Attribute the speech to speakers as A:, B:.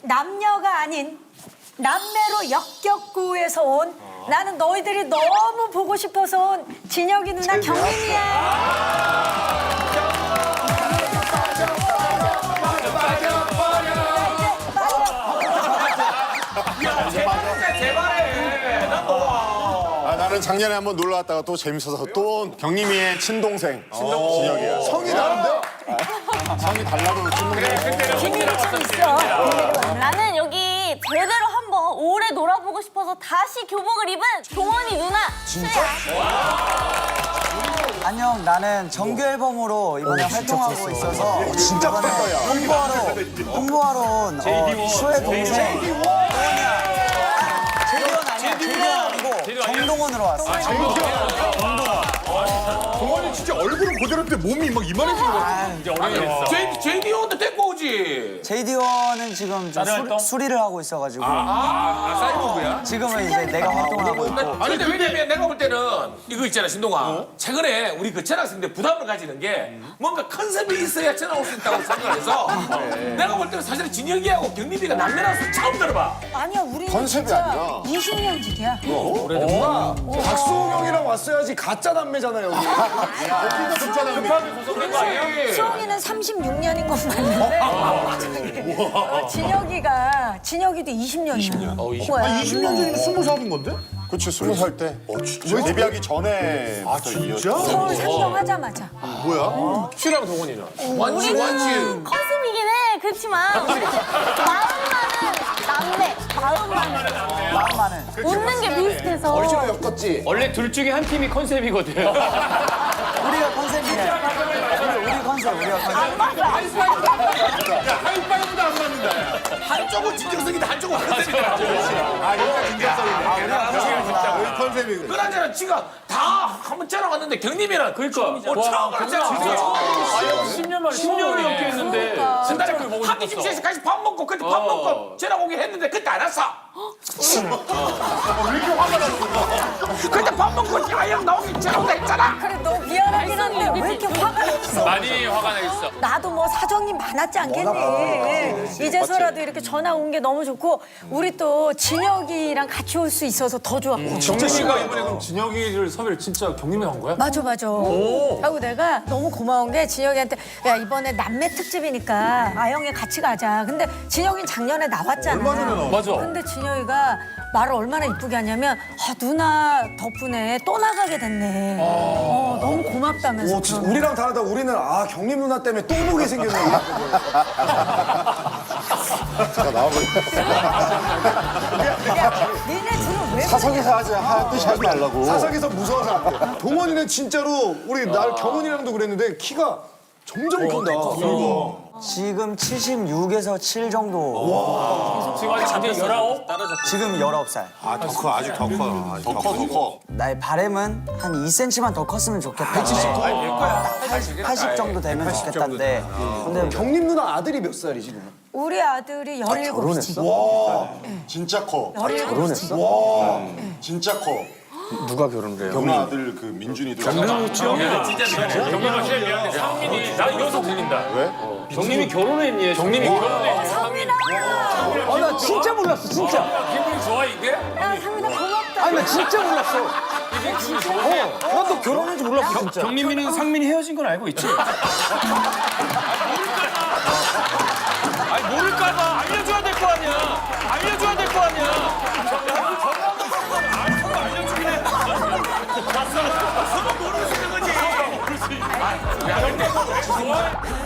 A: 남녀가 아닌 남매로 역겹구에서 온 나는 너희들이 너무 보고 싶어서 온 진혁이 누나 경민이야.
B: 나는 작년에 한번 놀러 왔다가 또 재밌어서 또 온 경림이의 친동생 진혁이야.
C: 성이 다른데?
B: 성이 달라도 친동생.
A: 비밀이 좀 있어.
D: 나는 여기 제대로 한번 오래 놀아보고 싶어서 다시 교복을 입은 동원이 누나. 진짜?
E: 안녕, 나는 정규 앨범으로 이번에 활동하고 있어서
C: 진짜
E: 이번에
C: 컸다,
E: 홍보하러 온 슈의 동생 제디원 아니고 정동원으로 왔어.
C: 동원이 진짜 얼굴은 그대로인데 몸이 막 이만해진 거야.
F: 이제 어른이 됐어.
G: JD&도 데리고 오지.
E: 제디원은 지금 좀 수리를 하고 있어가지고
G: 사이버그야?
E: 지금은 이제 내가 활동을 하고 있고.
G: 아니 근데 왜냐면 내가 볼 때는 이거 있잖아 신동아. 최근에 우리 그 전학생들 부담을 가지는 게 뭔가 컨셉이 있어야 전학 올 수 있다고 생각해서 내가 볼 때는 사실 진혁이하고 경림이가 남매라서 처음 들어봐.
A: 아니야, 우리
B: 컨셉이
A: 진짜
B: 아니라.
A: 20년 지기야.
C: 박수홍 형이랑 왔어야지 가짜 남매잖아 여기.
A: 수홍이는 36년인 건 맞는데 진혁이도 20년이야.
C: 20년 전이면 20살인 건데?
B: 그치 20살 때. 진짜? 데뷔하기 전에. 아
C: 진짜?
A: 서울 상경하자마자.
C: 뭐야?
F: 슈랑 동원이는.
G: 완치.
D: 컨셉이긴 해. 그렇지만 우리 마음만은 웃는 게 비슷해서.
C: 얼씨가 엮었지.
F: 원래 둘 중에 한 팀이 컨셉이거든.
E: 우리가 컨셉이네. 우리 컨셉.
G: 하이파이브도 안 맞는다. 한쪽은 진정성이다 한쪽은 컨셉이다.
C: 우리 컨셉이 그래.
G: 그나저나 지가 다 한번 전학 왔는데 경림이랑
F: 그러니까.
G: 처음 그랬잖아.
F: 10년 만에 10년을 넘게 했는데.
G: 전날에 한집 집에서 같이 밥 먹고 그때 밥 먹고 전학 오게 했는데 그때 안 왔어. 왜 이렇게 화가 나는 그때 밥 먹고 야영 나오기 전화 온다 했잖아.
A: 그래, 너 미안하긴 한데 왜 이렇게 화가 났어?
F: 많이 화가 나 있어.
A: 나도 뭐 사정이 많았지 않겠니? 이제서라도 이렇게 전화 온 게 너무 좋고 우리 또 진혁이랑 같이 올 수 있어서 더 좋았고.
F: 정민이가 이번에 그럼 진혁이를 섭외를 진짜 경림이 한 거야?
A: 맞아. 하고 내가 너무 고마운 게 진혁이한테 야 이번에 남매 특집이니까 아영이 같이 가자. 근데 진혁이는 작년에 나왔잖아.
F: 맞아.
A: 근데 진혁이가 말을 얼마나 이쁘게 하냐면 누나 덕분에 또 나가게 됐네. 너무 고맙다면서.
C: 오, 진짜 우리랑 다르다. 우리는 경림 누나 때문에 또 보게 생겼네.
B: 제가 나와버렸어.
A: 야, 니네 둘은 왜
B: 사석에서 하자 뜻이 하지 말라고.
C: 사석에서 무서워서 안 돼. 동원이는 진짜로 우리 경훈이랑도 그랬는데 키가 점점 큰다.
E: 지금 76에서 7 정도.
F: 지금 아직 잠깐 19?
E: 지금 19살.
B: 더 커, 아직 더 커. 더 커.
E: 나의 바람은 한 2cm만 더 컸으면 좋겠다. 80 정도 되면 좋겠다는데. 근데
C: 경림 누나 아들이 몇 살이지? 그럼?
A: 우리 아들이 17이지.
B: 진짜 커.
A: 17이지.
B: 진짜 커.
F: 누가 결혼을 해요?
B: 경림 아들 그 민준이도.
F: 경림이 제일 미안해. 상민이 나 여기서 들린다.
B: 왜?
F: 경림이 결혼했니? 경림이 결혼했니?
A: 상민아!
E: 나 진짜 몰랐어, 진짜.
F: 기분이 좋아 이게?
A: 야, 상민아 고맙다.
E: 아니, 나 진짜 몰랐어.
F: 이게 기분이 좋아.
E: 나도 결혼한지 몰랐어, 진짜.
F: 경림이는 상민이 헤어진 건 알고 있지? 아니 모를까봐 알려줘야 될 거 아니야. 알려줘야 될 거 아니야. 알려주긴 해. 봤어. 모르는 거지. 야 근데